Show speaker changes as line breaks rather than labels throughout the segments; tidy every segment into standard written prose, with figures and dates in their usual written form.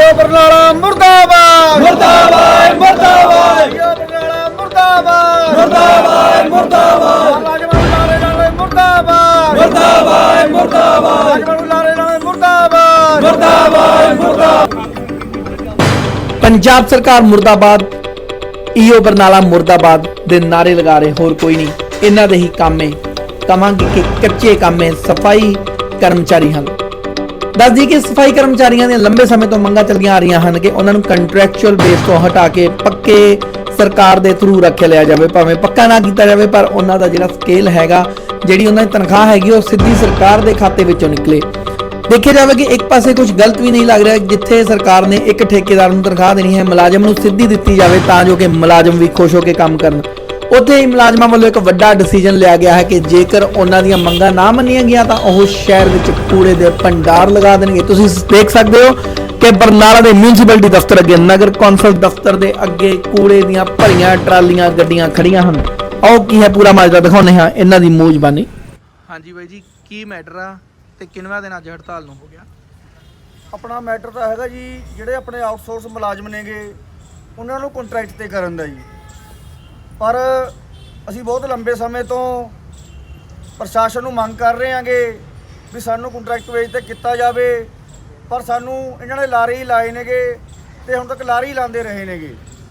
बरनाला मुर्दाबाद
मुर्दाबाद मुर्दाबाद
ईओ बरनाला मुर्दाबाद
मुर्दाबाद मुर्दाबाद
मुर्दाबाद मुर्दाबाद
मुर्दाबाद
मुर्दाबाद
मुर्दाबाद मुर्दाबाद
पंजाब सरकार मुर्दाबाद ईओ बरनाला मुर्दाबाद दे नारे लगा रहे होर कोई नहीं इन्हां दे ही काम है कहांगे कि कच्चे काम है सफाई कर्मचारी हैं दस दी कि सफाई कर्मचारियों दी लंबे समय तो मंगां चलियां आ रही हैं कि उन्होंने कंट्रैक्चुअल बेस तो हटा के पक्के सरकार के थ्रू रखे लिया जाए भावें पक्का ना किया जाए पर उन्हों का जो स्केल हैगा जी उन्होंने तनख्वाह हैगी वो सीधी सरकार के खाते विचों निकले देखिया जाए कि एक पासे कुछ गलत भी नहीं लग रहा जिथे सरकार ने एक ठेकेदार को तनख्वाह देनी है मुलाजम को सीधी दी जाए तां जो कि मुलाजम भी खुश होकर काम करन उत्थे ही मुलाजमां वालों एक वड्डा डिसीजन लिया गया है कि जेकर उन्हां दीयां मंगां ना मन्नियां गईयां तां ओह शहर विच कूड़े दे भंडार लगा देणगे। तुसीं देख सकदे हो कि बरनाला दे म्यूनसिपैलिटी दफ्तर अगे नगर कौंसल दफ्तर दे अगे कूड़े दीयां भरियां ट्रालियां गड्डियां खड़ियां हन। आओ की है पूरा माजरा दिखाउने हां इन्हां दी मूजबानी।
हाँ जी बाई जी की मैटर आ ते किनवा दिन अज हड़ताल नूं हो गया?
अपना मैटर तो हैगा जी ਜਿਹੜੇ ਆਪਣੇ ਆਊਟਸੋਰਸ ਮੁਲਾਜ਼ਮ ਨੇਗੇ ਉਹਨਾਂ ਨੂੰ ਕੰਟਰੈਕਟ ਤੇ ਕਰਨ ਦਾ ਜੀ ਪਰ ਅਸੀਂ ਬਹੁਤ ਲੰਬੇ ਸਮੇਂ ਤੋਂ ਪ੍ਰਸ਼ਾਸਨ ਨੂੰ ਮੰਗ ਕਰ ਰਹੇ ਹਾਂਗੇ ਵੀ ਸਾਨੂੰ ਕੰਟਰੈਕਟ ਵੇਜ ਤੇ ਕੀਤਾ ਜਾਵੇ ਪਰ ਸਾਨੂੰ ਇਹਨਾਂ ਨੇ ਲਾਰੇ ਹੀ ਲਾਏ ਨੇਗੇ ਤੇ ਹੁਣ ਤੱਕ ਲਾਰੇ ਹੀ ਲਾਉਂਦੇ ਰਹੇ ਨੇਗੇ।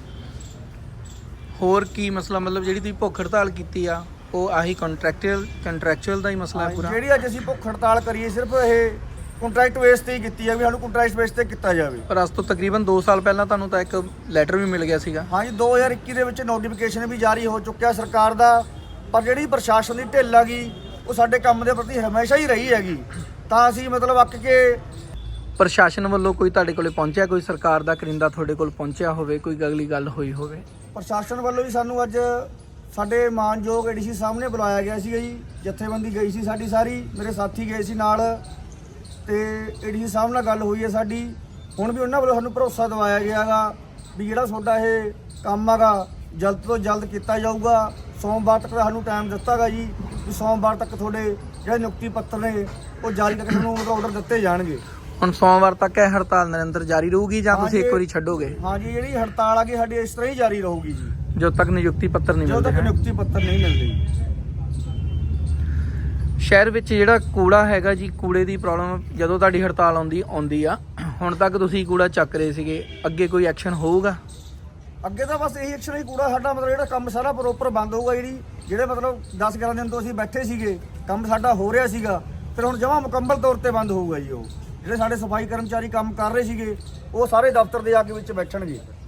ਹੋਰ ਕੀ ਮਸਲਾ ਮਤਲਬ ਜਿਹੜੀ ਤੁਸੀਂ ਭੁੱਖ ਹੜਤਾਲ ਕੀਤੀ ਆ ਉਹ ਆਹੀ ਕੰਟਰੈਕਚੁਅਲ ਦਾ ਹੀ ਮਸਲਾ ਹੈ ਪੂਰਾ?
ਜਿਹੜੀ ਅੱਜ ਅਸੀਂ ਭੁੱਖ ਹੜਤਾਲ ਕਰੀਏ ਸਿਰਫ ਇਹ ਕੰਟਰੈਕਟ ਬੇਸ ਤੇ ਹੀ ਕੀਤੀ ਹੈ ਵੀ ਸਾਨੂੰ ਕੰਟਰੈਕਟ ਬੇਸ ਤੇ ਕੀਤਾ ਜਾਵੇ।
ਪਰ ਅੱਜ ਤੋਂ ਤਕਰੀਬਨ 2 ਸਾਲ ਪਹਿਲਾਂ ਤੁਹਾਨੂੰ ਤਾਂ ਇੱਕ ਲੈਟਰ ਵੀ ਮਿਲ ਗਿਆ ਸੀਗਾ।
ਹਾਂਜੀ 2021 ਦੇ ਵਿੱਚ ਨੋਟੀਫਿਕੇਸ਼ਨ ਵੀ ਜਾਰੀ ਹੋ ਚੁੱਕਿਆ ਸਰਕਾਰ ਦਾ ਪਰ ਜਿਹੜੀ ਪ੍ਰਸ਼ਾਸਨ ਦੀ ਢਿੱਲ ਹੈਗੀ ਉਹ ਸਾਡੇ ਕੰਮ ਦੇ ਪ੍ਰਤੀ ਹਮੇਸ਼ਾ ਹੀ ਰਹੀ ਹੈਗੀ ਤਾਂ ਅਸੀਂ ਮਤਲਬ ਅੱਕ ਕੇ
ਪ੍ਰਸ਼ਾਸਨ ਵੱਲੋਂ ਕੋਈ ਤੁਹਾਡੇ ਕੋਲੇ ਪਹੁੰਚਿਆ ਕੋਈ ਸਰਕਾਰ ਦਾ ਕਰਿੰਦਾ ਤੁਹਾਡੇ ਕੋਲ ਪਹੁੰਚਿਆ ਹੋਵੇ ਕੋਈ ਅਗਲੀ ਗੱਲ ਹੋਈ ਹੋਵੇ?
ਪ੍ਰਸ਼ਾਸਨ ਵੱਲੋਂ ਵੀ ਸਾਨੂੰ ਅੱਜ ਸਾਡੇ ਮਾਨਯੋਗ ਏਡੀਸੀ ਸਾਹਮਣੇ ਬੁਲਾਇਆ ਗਿਆ ਸੀਗਾ ਜੀ ਜਥੇਬੰਦੀ ਗਈ ਸੀ ਸਾਡੀ ਸਾਰੀ ਮੇਰੇ ਸਾਥੀ ਗਏ ਸੀ ਨਾਲ ਤੇ ਏਡੀਸੀ ਸਾਹਿਬ ਨਾਲ ਗੱਲ ਹੋਈ ਹੈ ਸਾਡੀ ਹੁਣ ਵੀ ਉਹਨਾਂ ਵੱਲੋਂ ਸਾਨੂੰ ਭਰੋਸਾ ਦਿਵਾਇਆ ਗਿਆ ਹੈਗਾ ਵੀ ਜਿਹੜਾ ਤੁਹਾਡਾ ਇਹ ਕੰਮ ਹੈਗਾ ਜਲਦ ਤੋਂ ਜਲਦ ਕੀਤਾ ਜਾਊਗਾ। ਸੋਮਵਾਰ ਤੱਕ ਸਾਨੂੰ ਟਾਈਮ ਦਿੱਤਾ ਗਾ ਜੀ ਵੀ ਸੋਮਵਾਰ ਤੱਕ ਤੁਹਾਡੇ ਜਿਹੜੇ ਨਿਯੁਕਤੀ ਪੱਤਰ ਨੇ ਉਹ ਜਾਰੀ ਤੱਕ ਸਾਨੂੰ ਆਰਡਰ ਦਿੱਤੇ ਜਾਣਗੇ।
ਹੁਣ ਸੋਮਵਾਰ ਤੱਕ ਇਹ ਹੜਤਾਲ ਨਿਰੰਤਰ ਜਾਰੀ ਰਹੂਗੀ ਜਾਂ ਤੁਸੀਂ ਇੱਕ ਵਾਰੀ ਛੱਡੋਗੇ?
ਹਾਂਜੀ ਜਿਹੜੀ ਹੜਤਾਲ ਆਗੀ ਸਾਡੀ ਇਸ ਤਰ੍ਹਾਂ ਹੀ ਜਾਰੀ ਰਹੂਗੀ ਜੀ
ਜਦੋਂ ਤੱਕ ਨਿਯੁਕਤੀ ਪੱਤਰ ਨਹੀਂ
ਜਦੋਂ
ਮਿਲਦੇ
ਤੱਕ ਨਿਯੁਕਤੀ ਪੱਤਰ ਨਹੀਂ ਮਿਲਦੇ।
ਸ਼ਹਿਰ ਵਿੱਚ ਜਿਹੜਾ ਕੂੜਾ ਹੈਗਾ ਜੀ ਕੂੜੇ ਦੀ ਪ੍ਰੋਬਲਮ ਜਦੋਂ ਤੁਹਾਡੀ ਹੜਤਾਲ ਆਉਂਦੀ ਆ ਹੁਣ ਤੱਕ ਤੁਸੀਂ ਕੂੜਾ ਚੱਕ ਰਹੇ ਸੀਗੇ ਅੱਗੇ ਕੋਈ ਐਕਸ਼ਨ ਹੋਊਗਾ?
ਅੱਗੇ ਤਾਂ ਬਸ ਇਹੀ ਐਕਸ਼ਨ ਹੀ ਕੂੜਾ ਸਾਡਾ ਮਤਲਬ ਜਿਹੜਾ ਕੰਮ ਸਾਰਾ ਪ੍ਰੋਪਰ ਬੰਦ ਹੋਊਗਾ ਜਿਹੜੇ ਮਤਲਬ 10-11 ਦਿਨ ਤੋਂ ਅਸੀਂ ਬੈਠੇ ਸੀਗੇ ਕੰਮ ਸਾਡਾ ਹੋ ਰਿਹਾ ਸੀਗਾ ਫਿਰ ਹੁਣ ਜਮਾਂ ਮੁਕੰਮਲ ਤੌਰ ਤੇ ਬੰਦ ਹੋਊਗਾ ਜੀ। ਉਹ ਜਿਹੜੇ ਸਾਡੇ ਸਫਾਈ ਕਰਮਚਾਰੀ ਕੰਮ ਕਰ ਰਹੇ ਸੀਗੇ ਉਹ ਸਾਰੇ ਦਫ਼ਤਰ ਦੇ ਆ ਕੇ ਵਿੱਚ ਬੈਠਣਗੇ।